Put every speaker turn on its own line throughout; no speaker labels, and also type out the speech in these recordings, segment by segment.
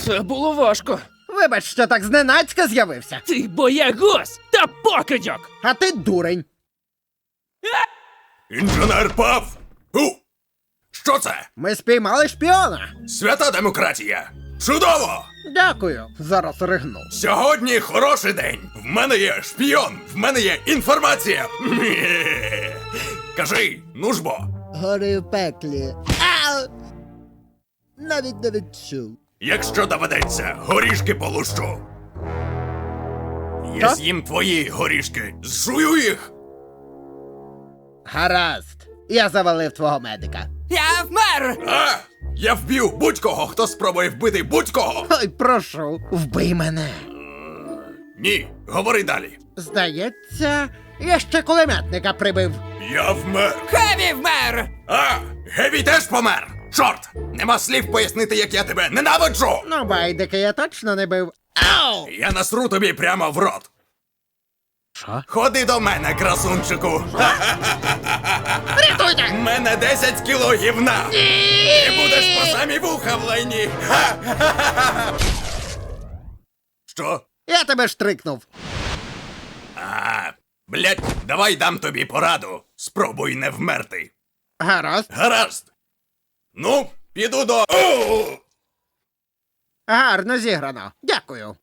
Це було важко.
Вибач, що так зненацька з'явився.
Ти боягуз та покидьок!
А ти дурень.
Інженер Пав! Що це?
Ми спіймали шпіона.
Свята демократія! Чудово!
Дякую. Зараз ригну.
Сьогодні хороший день. В мене є шпіон, в мене є інформація. Кажи, ну ж бо.
Гори в пеклі. Ау! Навіть не відчув.
Якщо доведеться, горішки полущу. Я
Що?
з'їм твої горішки, зжую їх.
Гаразд. Я завалив твого медика.
Я вмер!
А! Я вб'ю будь-кого, хто спробує вбити будь-кого.
Ой, прошу, вбий мене.
Ні, говори далі.
Здається, я ще кулеметника прибив.
Я вмер.
Хеві вмер!
А, Геві теж помер. Чорт, нема слів пояснити, як я тебе ненавиджу.
Ну, байдики я точно не бив. Ау!
Я насру тобі прямо в рот.
Що?
Ходи до мене, красунчику.
Рятуйте!
В мене 10 кіло гівна. І будеш по самі вуха в лайні. Що?
Я тебе штрикнув.
Блять, давай дам тобі пораду. Спробуй не вмерти.
Гаразд.
Гаразд. Ну, піду до...
Гарно зіграно. Дякую.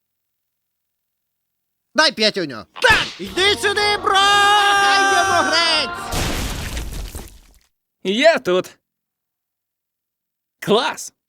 Дай п'ятюню. Так! Йди сюди, бро! Хай йому грець!
Я тут. Клас!